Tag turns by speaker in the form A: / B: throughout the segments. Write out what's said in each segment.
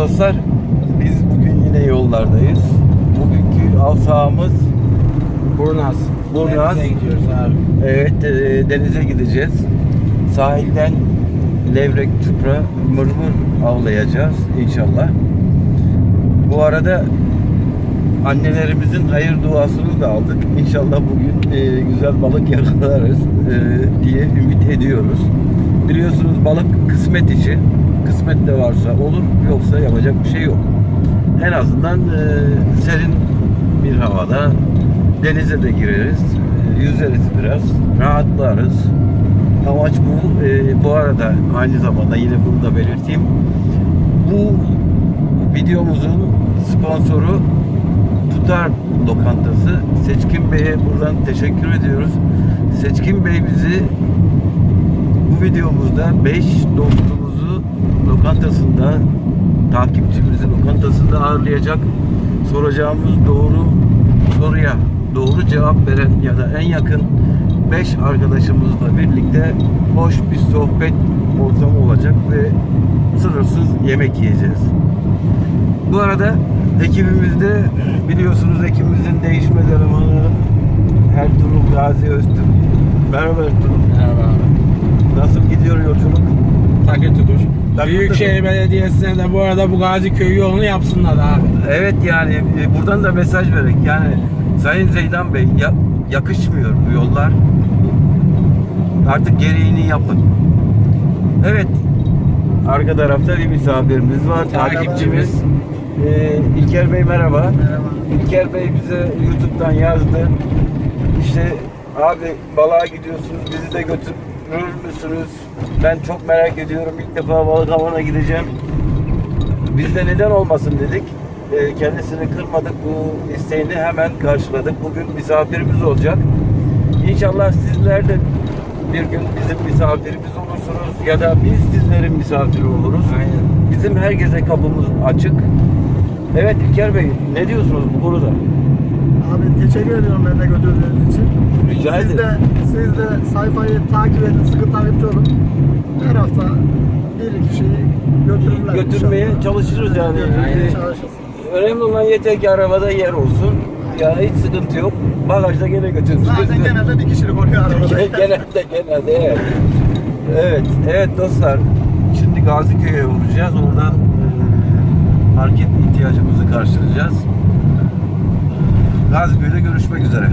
A: dostlar, biz bugün yine yollardayız. Bugünkü av sahamız
B: Burnaz. Denize gidiyoruz abi.
A: evet, denize gideceğiz. Sahilden levrek, çupra, mırmır avlayacağız inşallah. Bu arada annelerimizin hayır duasını da aldık. İnşallah bugün güzel balık yakalarız diye ümit ediyoruz. Biliyorsunuz balık kısmet işi. Kısmet de varsa olur, yoksa yapacak bir şey yok. En azından serin bir havada denize de gireriz, yüzeriz biraz, rahatlarız. Amaç bu. Bu arada aynı zamanda yine bunu da belirteyim. Bu videomuzun sponsoru Tutar Lokantası. Seçkin Bey'e buradan teşekkür ediyoruz. Seçkin Bey bizi bu videomuzda 5 dostumuzu lokantasında, takipçimizi lokantasında ağırlayacak. Soracağımız doğru soruya doğru cevap veren ya da en yakın 5 arkadaşımızla birlikte hoş bir sohbet ortamı olacak ve sınırsız yemek yiyeceğiz. Bu arada ekibimizde biliyorsunuz ekibimizin değişmez elemanı Ertuğrul Gazi Öztürk. Merhaba Ertuğrul.
B: Merhaba abi.
A: Nasıl gidiyor yolculuk?
B: Takır tukur. Büyükşehir Belediyesi'ne de bu arada bu Gazi Köyü yolunu yapsınlar abi.
A: Evet, yani buradan da mesaj vererek, yani Sayın Zeydan Bey, yakışmıyor bu yollar. Artık gereğini yapın. Evet, arka tarafta bir misafirimiz var, takipçimiz. İlker Bey merhaba.
B: Merhaba.
A: İlker Bey bize YouTube'dan yazdı. İşte abi balığa gidiyorsunuz, bizi de götürür müsünüz? Ben çok merak ediyorum. İlk defa balık avına gideceğim. Biz de neden olmasın dedik. Kendisini kırmadık. Bu isteğini hemen karşıladık. Bugün misafirimiz olacak. İnşallah sizler de bir gün bizim misafirimiz olursunuz ya da biz sizlerin misafiri oluruz.
B: Aynen.
A: Bizim herkese kapımız açık. Evet İlker Bey, ne diyorsunuz bu konuda?
C: Abi teşekkür ediyorum beni de götürdüğünüz için.
A: Rica
C: Siz
A: ederim.
C: Siz de sayfayı takip edin, sıkı takipçi olun. Her hafta bir kişiyi götürürler.
A: Götürmeye
C: inşallah.
A: çalışırız yani.
C: Götürmeye çalışırız.
A: Önemli olan yeter ki arabada yer olsun. Yani hiç sıkıntı yok. Bagajda gene götürürüz.
C: Zaten genelde bir kişilik oluyor arabada.
A: genelde evet. Evet dostlar. Şimdi Gaziköy'e uğrayacağız. Oradan market ihtiyacımızı karşılayacağız. Gaziköy'de görüşmek üzere.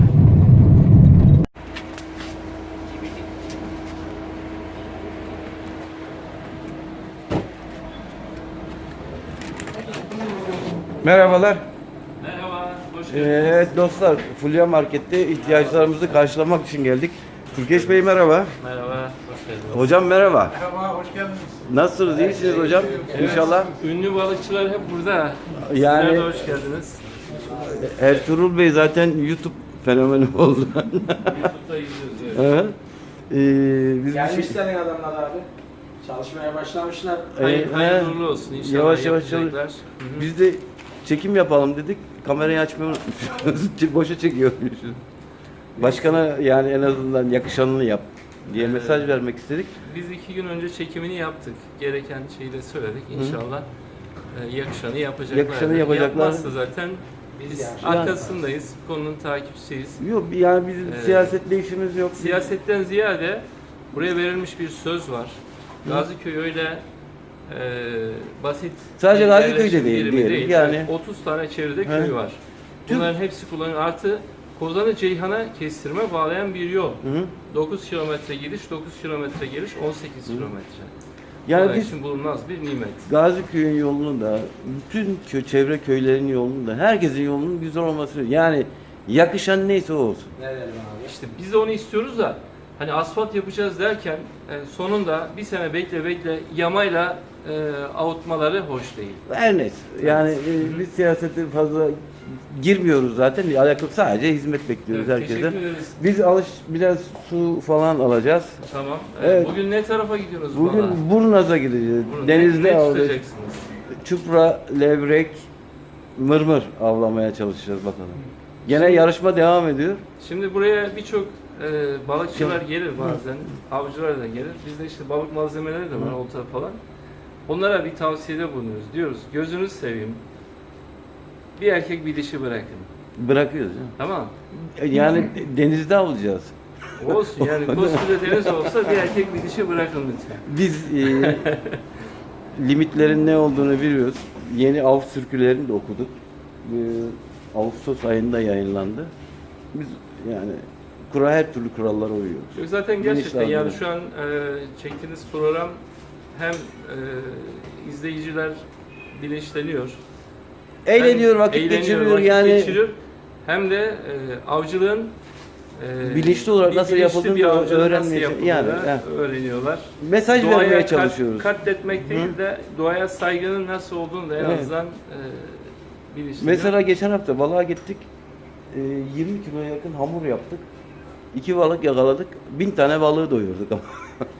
D: Merhaba,
A: Merhabalar.
D: hoş geldiniz.
A: Evet dostlar, Fulya Market'te ihtiyaçlarımızı karşılamak için geldik. Türkeş Bey merhaba.
D: Merhaba, hoş geldiniz.
A: Hocam merhaba.
C: Merhaba, hoş geldiniz.
A: Nasılsınız? İyisiniz hocam? İnşallah.
D: Ünlü balıkçılar hep burada.
A: Yani-
D: Sizler de hoş geldiniz.
A: Ertuğrul Bey zaten YouTube fenomeni oldu.
D: YouTube'da izliyoruz. Evet.
A: Hı. Biz bir şey...
B: Gelmişler adamlar abi. Çalışmaya başlamışlar.
D: Hayırlı uğurlu olsun inşallah.
A: Yavaş yavaş
D: yapacaklar.
A: çalış. Biz de çekim yapalım dedik. Kamerayı açmayı unutmuşuz. Boşa çekiyormuşuz. Başkana yani en azından yakışanını yap diye mesaj vermek istedik.
D: Biz 2 gün önce çekimini yaptık. Gereken şeyi de söyledik. İnşallah yakışanı yapacaklar.
A: Yakışanı yapacaklar.
D: Yapmazsa zaten biz arkasındayız. Konunun takipçisiyiz.
A: Yok yani bizim siyasetle işimiz yok.
D: Siyasetten ziyade buraya verilmiş bir söz var. Gaziköy öyle basit
A: Sadece
D: bir
A: Gaziköy'de
D: yerleşim
A: değil,
D: birimi
A: diyelim. Yani-
D: 30 tane çevrede
A: He.
D: köy var. Bunların hepsi kullanılıyor. Artı Kozan'ı Ceyhan'a kestirme bağlayan bir yol.
A: Hı.
D: 9 kilometre gidiş, 9 kilometre geliş, 18 kilometre.
A: Yani
D: Kolay
A: biz
D: için bulunmaz bir nimet.
A: Gaziköy'ün yolunu da, bütün çevre köylerin yolunu da, herkesin yolunun güzel olması. Yani yakışan neyse o olsun.
B: Ne dedim abi?
D: İşte biz de onu istiyoruz da hani asfalt yapacağız derken sonunda bir sene bekle yamayla avutmaları hoş değil.
A: Her neyse. Yani biz siyasete fazla girmiyoruz zaten. Alakalı sadece hizmet bekliyoruz
D: Evet,
A: herkesten.
D: teşekkür ederiz.
A: Biz biraz su falan alacağız.
D: Tamam.
A: Evet.
D: Bugün ne tarafa gidiyoruz
A: Bugün
D: bana?
A: Burnaz'a gideceğiz.
D: Bunu
A: Denizde
D: ne
A: avlayacağız.
D: tutacaksınız?
A: Çupra, levrek, mırmır avlamaya çalışacağız bakalım. Gene yarışma devam ediyor.
D: Şimdi buraya birçok balıkçılar gelir bazen, avcılar da gelir. Bizde işte balık malzemeleri de var, olta falan. onlara bir tavsiyede bulunuyoruz. Diyoruz gözünüzü seveyim. Bir erkek bir dişi bırakın.
A: Bırakıyoruz. Ya.
D: Tamam.
A: Yani denizde avlayacağız.
D: Olsun yani koskoca deniz olsa bir erkek bir dişi bırakın lütfen.
A: Biz limitlerin ne olduğunu biliyoruz. Yeni av sürkülerini de okuduk. Ağustos ayında yayınlandı. Biz yani her türlü kurallara uyuyoruz.
D: Yok, zaten
A: Bilinçli
D: gerçekten yani
A: avlanıyoruz.
D: şu an çektiğiniz program hem izleyiciler bilinçleniyor.
A: Eğleniyor,
D: hem
A: vakit
D: eğleniyor,
A: geçiriyor
D: vakit
A: yani.
D: geçiriyor. Hem de avcılığın
A: Bilinçli olarak nasıl
D: bilinçli
A: yapıldığını
D: bir avcılık nasıl
A: öğrenmeye
D: yapıldığını
A: yani,
D: öğreniyorlar.
A: Mesaj vermeye çalışıyoruz.
D: Katletmek değil de doğaya saygının nasıl olduğunu da en
A: Evet.
D: azından bilinçleniyor.
A: Mesela geçen hafta balığa gittik. 20 kiloya yakın hamur yaptık. 2 balık yakaladık. 1000 tane balığı doyurduk ama.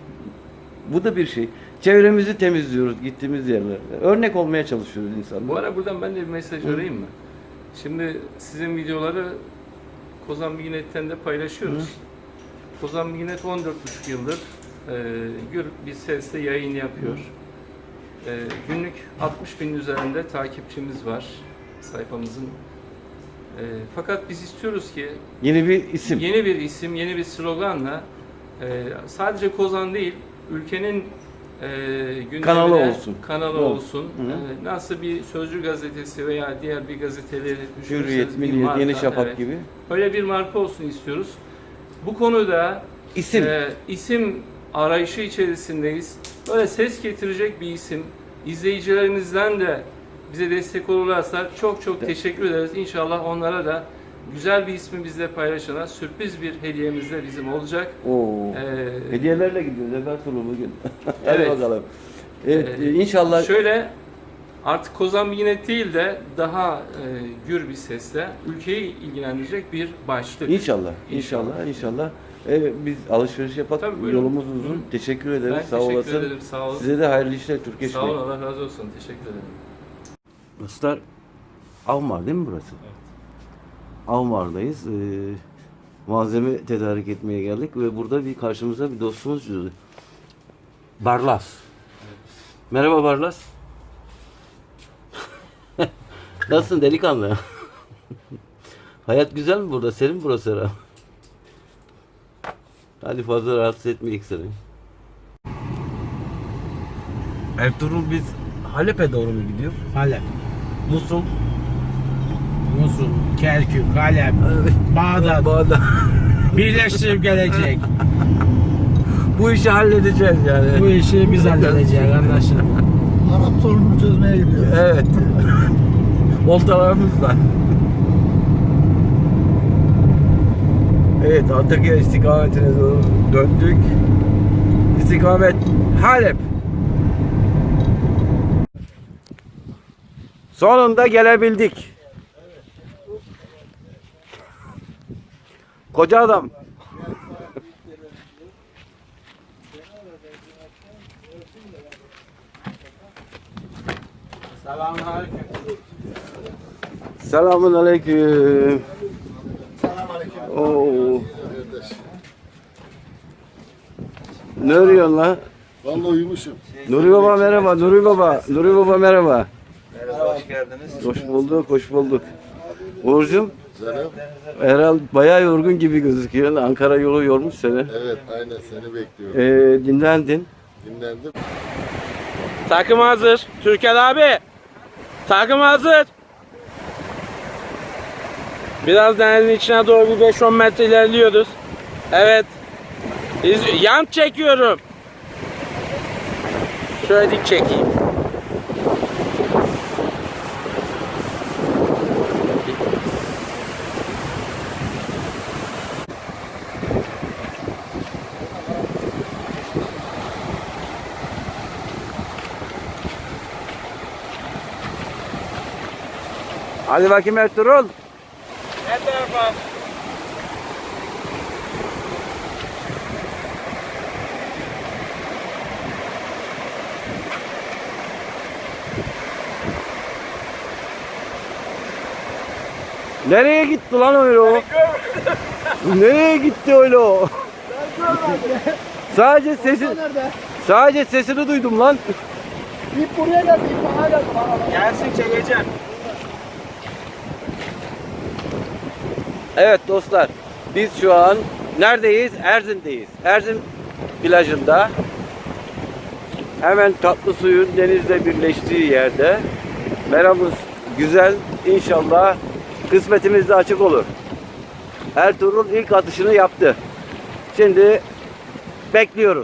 A: Bu da bir şey. Çevremizi temizliyoruz gittiğimiz yerlerde. Örnek olmaya çalışıyoruz insanlara.
D: Bu ara buradan ben de bir mesaj vereyim mi? Şimdi sizin videoları Kozan Bilginet'ten de paylaşıyoruz. Kozan Bilginet 14,5 yıldır gür bir sesle yayın yapıyor. Günlük 60.000 üzerinde takipçimiz var sayfamızın. Fakat biz istiyoruz ki
A: Yeni bir isim.
D: yeni bir isim, yeni bir sloganla sadece Kozan değil, ülkenin gündemine
A: Kanalı olsun.
D: kanalı
A: Evet.
D: olsun. Nasıl bir Sözcü gazetesi veya diğer bir gazeteleri düşünürseniz
A: Hürriyet,
D: bir
A: Milliyet,
D: marka,
A: Yeni Şafak
D: evet.
A: gibi.
D: Öyle bir marka olsun istiyoruz. Bu konuda
A: İsim.
D: isim arayışı içerisindeyiz. Böyle ses getirecek bir isim. İzleyicilerimizden de bize destek olurlarsa çok çok teşekkür ederiz. İnşallah onlara da güzel bir ismi bizle paylaşana sürpriz bir hediyemiz de bizim olacak.
A: Oo. Hediyelerle gidiyoruz Efertulu bugün. Hadi
D: Evet.
A: bakalım. Evet, inşallah
D: Şöyle artık Kozan Bilginet değil de daha gür bir sesle ülkeyi ilgilendirecek bir başlık.
A: İnşallah. Biz alışveriş yapak.
D: Tabii, buyurun.
A: Yolumuz uzun. Teşekkür ederiz.
D: Ben
A: Sağ
D: teşekkür
A: olasın.
D: ederim. Sağ olun.
A: Size de hayırlı işler Türkiye
D: Sağ olun. Allah razı olsun. Teşekkür ederim.
A: Dostlar, Avmar değil mi burası? Evet. Avmar'dayız. Malzeme tedarik etmeye geldik ve burada karşımıza bir dostumuz çıktı. Barlas. Merhaba Barlas. Nasılsın delikanlı? Hayat güzel mi burada? Senin burası herhalde. Hadi fazla rahatsız etmeyek seni. Ertuğrul biz Halep'e doğru mu gidiyor?
B: Halep,
A: Musul.
B: Musul, Kerkük, Halep, Bağdat birleştirip gelecek.
A: Bu işi halledeceğiz yani.
B: Bu işi biz halledeceğiz anlaşıldı.
C: Arap sorununu çözmeye gidiyoruz.
A: Evet. Oltalarımızla. Evet, Antakya istikametine doğru döndük. İstikamet Halep. Sonunda gelebildik. Koca adam.
B: Selamünaleyküm.
A: Selamun aleyküm.
C: Selamünaleyküm.
A: Oo. Ne arıyorsun lan?
E: Vallahi uyumuşum.
A: Nuri Baba merhaba, Nuri Baba. Nuri Baba merhaba.
E: Merhaba, hoş geldiniz.
A: Hoş bulduk. Uğur'cum,
E: Canım.
A: herhalde bayağı yorgun gibi gözüküyor. Ankara yolu yormuş seni.
E: Evet, aynen seni bekliyorum.
A: Dinlendin.
E: Dinlendim.
B: Takım hazır. Türker abi. Takım hazır. Biraz denizin içine doğru bir 5-10 metre ilerliyoruz. Evet. Yan çekiyorum. Şöyle dik çekeyim.
A: Hadi bakayım Ertuğrul.
B: Ne tarafa?
A: Nereye gitti lan öyle o? Nereye gitti öyle o? Sadece sesini duydum lan.
C: İp buraya geldi, ip bana geldi.
B: Gelsin çekeceğim.
A: Evet dostlar, biz şu an neredeyiz? Erzin'deyiz. Erzin plajında. Hemen tatlı suyun denizle birleştiği yerde. Meramız güzel. İnşallah kısmetimiz de açık olur. Ertuğrul ilk atışını yaptı. Şimdi bekliyoruz.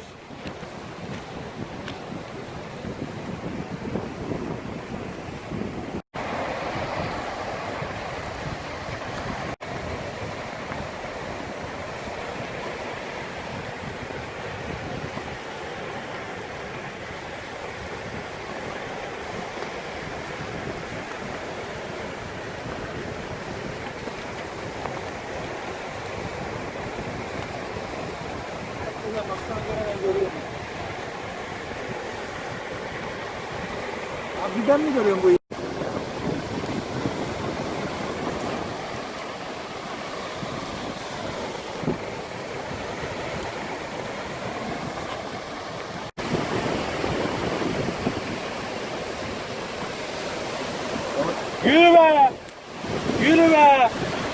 C: Abi ben mi görüyorum bu?
B: Yürü be! Yürü be!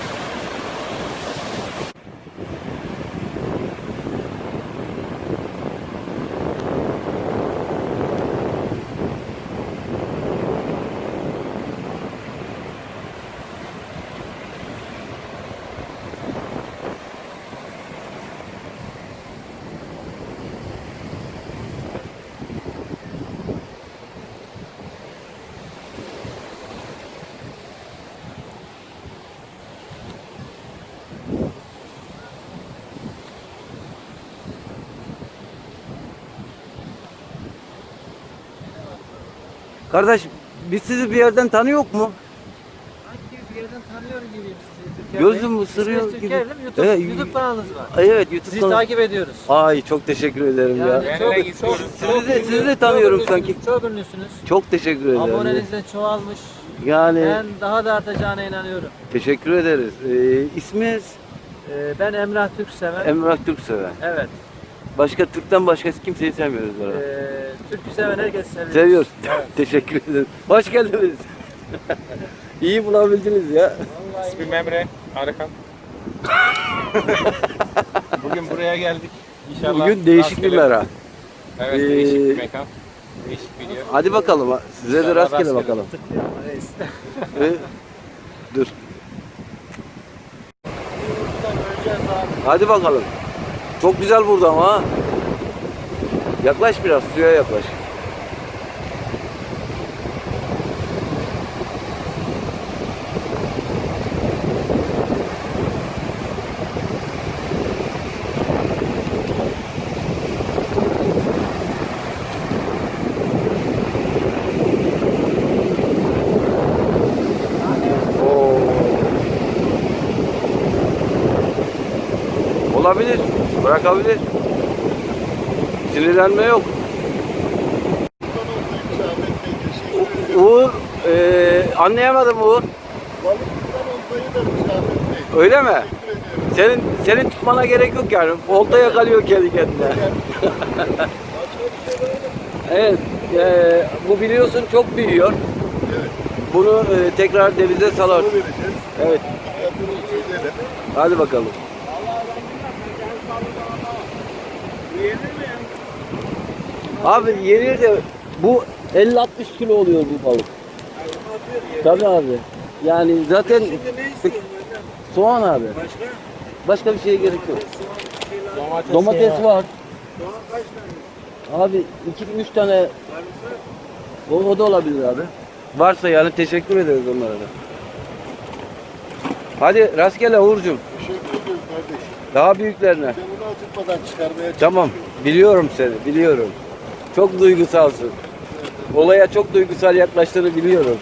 A: Kardeş, biz sizi bir yerden tanıyor mu?
F: Bir yerden tanıyorum gibiyim sizi. Türker
A: Gözüm
F: Bey.
A: ısırıyor
F: İsminiz
A: gibi.
F: Türker değil mi? YouTube,
A: Evet.
F: YouTube kanalınız var.
A: Evet, YouTube
F: Sizi
A: kanalı.
F: takip ediyoruz.
A: Ay çok teşekkür ederim ya.
F: Yani
A: Sizi de tanıyorum
F: çok
A: sanki.
F: ünlüsünüz, çok ünlüsünüz.
A: Çok teşekkür ederim.
F: Aboneniz de çoğalmış.
A: Yani
F: Ben daha da artacağına inanıyorum.
A: teşekkür ederiz. İsminiz
F: Ben Emrah Türkseven.
A: Emrah Türkseven.
F: Evet.
A: Başka Türk'ten başkası kimseyi sevmiyoruz burada.
F: Türkü seven herkes seviyor.
A: Seviyoruz. Teşekkür ederim. Hoş geldiniz. İyi bulabildiniz ya.
B: İsmim Emre Arıkan. Bugün buraya geldik. İnşallah
A: Bugün değişik bir
B: rastgele-
A: mera.
B: Evet,
A: Ee,
B: değişik bir mekan. Değişik video.
A: Hadi bakalım. Size de
B: İnşallah
A: rastgele
B: rastgele.
A: bakalım. Dur. Hadi bakalım. Çok güzel burada ama ha. Yaklaş biraz, suya yaklaş. Oo. Olabilir, bırakabilir. Sinirlenme yok. Uğur, anlayamadım Uğur.
E: Balıkçıdan oltayı da Şahmet Bey.
A: Öyle mi?
E: Teşekkür ederim.
A: Senin tutmana gerek yok yani. Olta yakalıyor kendi kendine. Evet, bu biliyorsun çok büyüyor.
E: Evet.
A: Bunu tekrar denize salarsın.
E: Bunu vereceğiz.
A: Evet,
E: Fiyatını çözelim.
A: hadi bakalım. Abi yenir de bu 50-60 kilo oluyor bu balık. Tabii abi. Yani zaten soğan abi. Başka bir şeye gerek yok. Domates var. Abi 2-3 tane o da olabilir abi. Varsa yani teşekkür ederiz onlara da. Hadi rastgele Uğur'cum.
E: Teşekkür ederim kardeşim.
A: Daha büyüklerine.
E: Ben bunu acıtmadan çıkarmaya çalışıyorum.
A: Tamam. Biliyorum seni. Biliyorum. Çok duygusalsın. Olaya çok duygusal yaklaştığını biliyorum.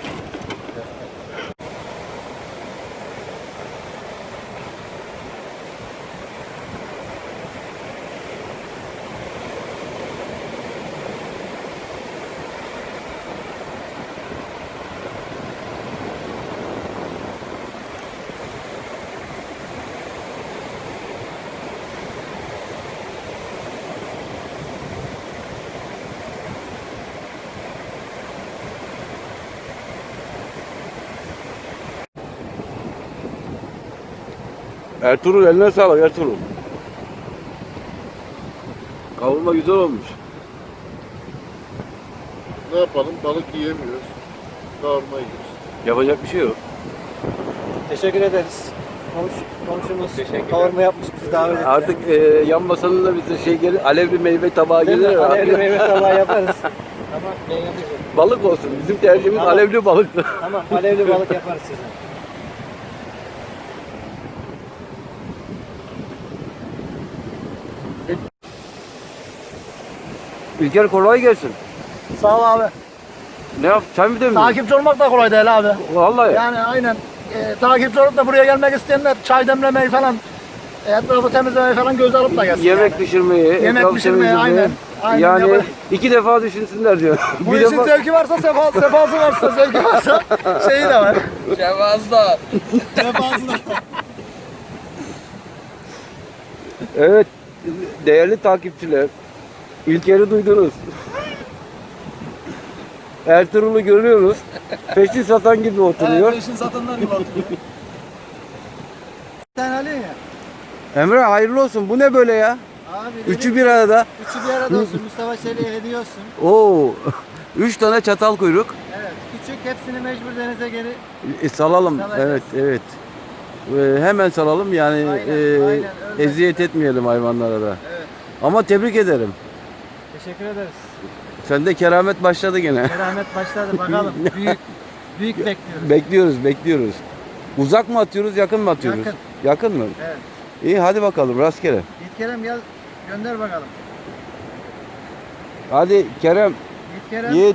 A: Ertuğrul eline sağlık Ertuğrul. Kavurma güzel olmuş.
E: Ne yapalım? Balık yiyemiyoruz. Kavurma yiyoruz.
A: Yapacak bir şey yok.
C: Teşekkür ederiz. Komşumuz kavurma yapmış, bizi davet etti.
A: Artık yan masanın da bize şey gelir, alevli meyve tabağı
C: Değil mi?
A: gelir.
C: Alevli meyve tabağı yaparız. Tamam, ben yapacağım.
A: Balık olsun. Bizim tercihimiz
C: Tamam.
A: alevli balık.
C: Tamam, alevli balık yaparız size.
A: İlker kolay gelsin.
C: Sağ ol abi.
A: Ne yap? Çay mı demliyorsun?
C: Takipçi olmak da kolay değil abi.
A: Vallahi.
C: Yani aynen. Takipçi olup da buraya gelmek isteyenler çay demlemeyi falan, etrafı temizlemeyi falan göz alıp da gelsin.
A: Yemek
C: yani.
A: pişirmeyi,
C: Yemek
A: etrafı
C: pişirmeyi,
A: temizlemeyi.
C: aynen
A: Yani
C: yapar.
A: 2 defa düşünsünler diyor.
C: Bu işin zevki varsa sefası varsa, zevki varsa şeyi de var.
B: Cevazda.
C: Sefası da.
A: Evet, değerli takipçiler, İlker'i duydunuz. Ertuğrul'u görüyoruz. Peşin satan gibi oturuyor.
C: Peşin satanlar gibi oturuyor. Sen Ali ya.
A: Emre hayırlı olsun. Bu ne böyle ya?
C: Abi
A: Üçü bir arada.
C: Üçü bir arada olsun. Mustafa Çelik'e hediye olsun.
A: Oo. 3 tane çatal kuyruk.
C: Evet. Küçük, hepsini mecbur denize geri.
A: Salalım.
C: Salacağız.
A: Evet. Hemen salalım yani
C: Aynen, aynen, öyle.
A: eziyet etmeyelim hayvanlara da.
C: Evet.
A: Ama tebrik ederim.
C: Teşekkür ederiz.
A: Sende keramet başladı gene.
C: Keramet başladı, bakalım. Büyük bekliyoruz.
A: Bekliyoruz. Uzak mı atıyoruz, yakın mı atıyoruz?
C: Yakın.
A: Yakın mı?
C: Evet.
A: İyi hadi bakalım rastgele.
C: Yiğit Kerem gel, gönder bakalım.
A: Hadi Kerem,
C: Yiğit Kerem.
A: Yiğit.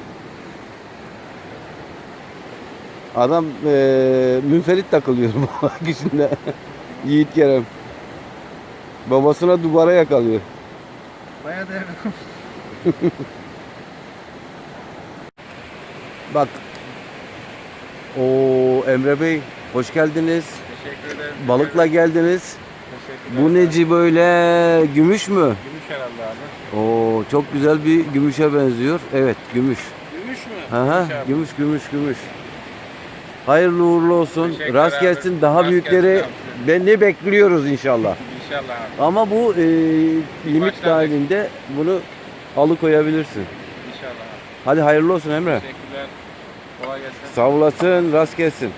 A: Adam münferit takılıyor bu ikisinde. Yiğit Kerem. Babasına duvara yakalıyor.
C: Bayağı değerli.
A: Bak. O Emre Bey, hoş geldiniz.
D: Teşekkür ederim.
A: Balıkla geldiniz.
D: Teşekkürler.
A: Bu neci böyle gümüş mü?
D: Gümüş herhalde abi.
A: Oo çok güzel bir gümüşe benziyor. Evet gümüş.
D: Gümüş mü?
A: Aha, gümüş. Hayırlı uğurlu olsun.
D: Teşekkür
A: Rast
D: ederim.
A: gelsin. Daha
D: Rast
A: büyükleri
D: gelsin
A: ne bekliyoruz inşallah.
D: İnşallah abi.
A: Ama bu limit
D: başlangıç.
A: dahilinde bunu alıkoyabilirsin.
D: İnşallah abi.
A: Hadi hayırlı olsun Emre.
D: Teşekkürler. Kolay gelsin.
A: Sağ olasın. Rast gelsin.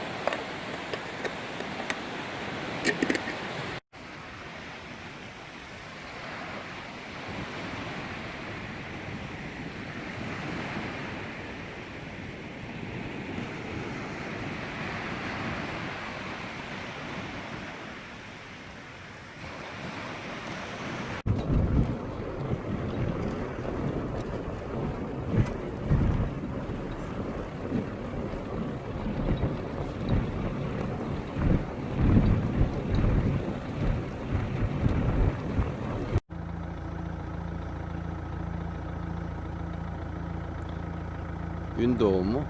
A: Gün doğumu.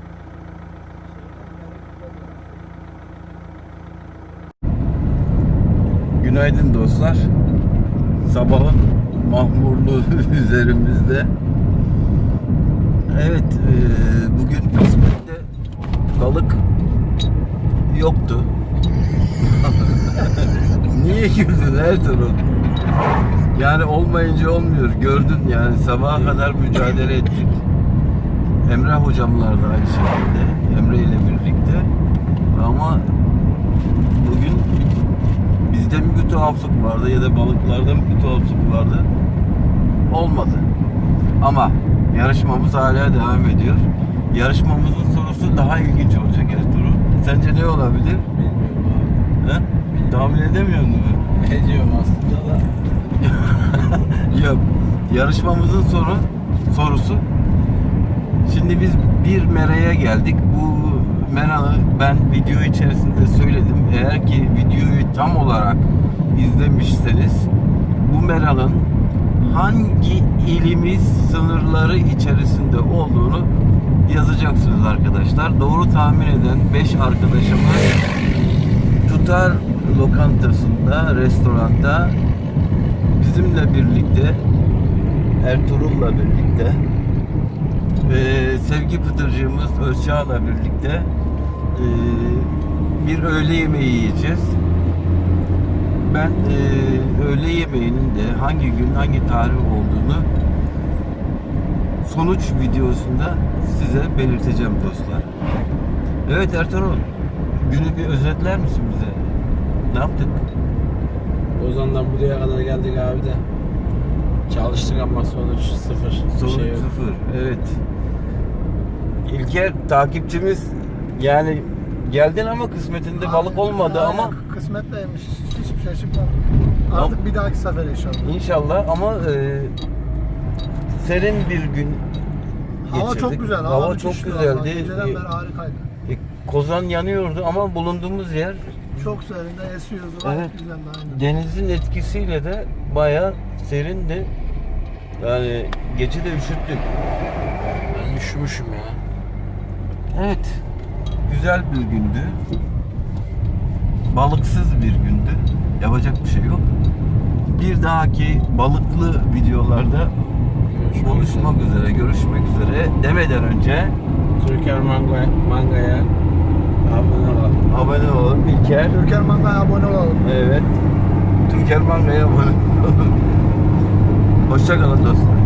A: Günaydın dostlar. Sabahın mahmurluğu üzerimizde. Evet, bugün kısmette balık yoktu. Niye güldün Ertuğrul? Yani olmayınca olmuyor. Gördün yani sabaha kadar mücadele ettik. Emre hocamlar da aynı şekilde. Emre ile birlikte. Ama bugün bizde mi bir tuhaflık vardı ya da balıklarda mı bir tuhaflık vardı? Olmadı. Ama yarışmamız hala devam ediyor. Yarışmamızın sorusu daha ilginç olacak Ertuğrul. Sence ne olabilir? He? Tahmin edemiyor musun?
B: Ediyorum aslında da.
A: Yok. Yarışmamızın sorusu. Şimdi biz bir meraya geldik. Bu meralı ben video içerisinde söyledim. Eğer ki videoyu tam olarak izlemişseniz bu meralın hangi ilimiz sınırları içerisinde olduğunu yazacaksınız arkadaşlar. Doğru tahmin eden 5 arkadaşımız Tutar lokantasında, restoranda bizimle birlikte, Ertuğrul'la birlikte, Sevgi Pıtırcığımız Özçağ'la birlikte bir öğle yemeği yiyeceğiz. ben öğle yemeğinin de hangi gün hangi tarih olduğunu sonuç videosunda size belirteceğim dostlar. Evet Ertuğrul, günü bir özetler misin bize? Ne yaptık?
B: Ozan'dan buraya kadar geldik abi de. Çalıştık ama sonuç sıfır. Bir
A: Sonuç
B: şey yok.
A: sıfır. Evet. İlker takipçimiz, yani geldin ama kısmetinde balık olmadı
C: Aynen,
A: ama
C: kısmetleymiş. Hiçbir şey çıkmadı. Artık bir dahaki sefer inşallah.
A: İnşallah ama serin bir gün geçirdik.
C: Hava çok güzel.
A: Hava çok
C: müthişti vallahi.
A: güzeldi.
C: Geceden beri harikaydı.
A: Kozan yanıyordu ama bulunduğumuz yer
C: Çok serinde esiyordu. Gayet
A: Evet.
C: güzeldi aynen.
A: denizin etkisiyle de bayağı serindi. Yani gece de üşüttük.
B: Ben üşümüşüm ya.
A: Evet. Güzel bir gündü. Balıksız bir gündü. Yapacak bir şey yok. Bir dahaki balıklı videolarda buluşmak üzere, görüşmek üzere demeden önce
B: Türker Manga'ya abone olalım.
A: abone olun. İlker.
C: Türker Manga'ya abone olalım.
A: Evet. Türker Manga'ya abone olun. Hoşça kalın dostlar.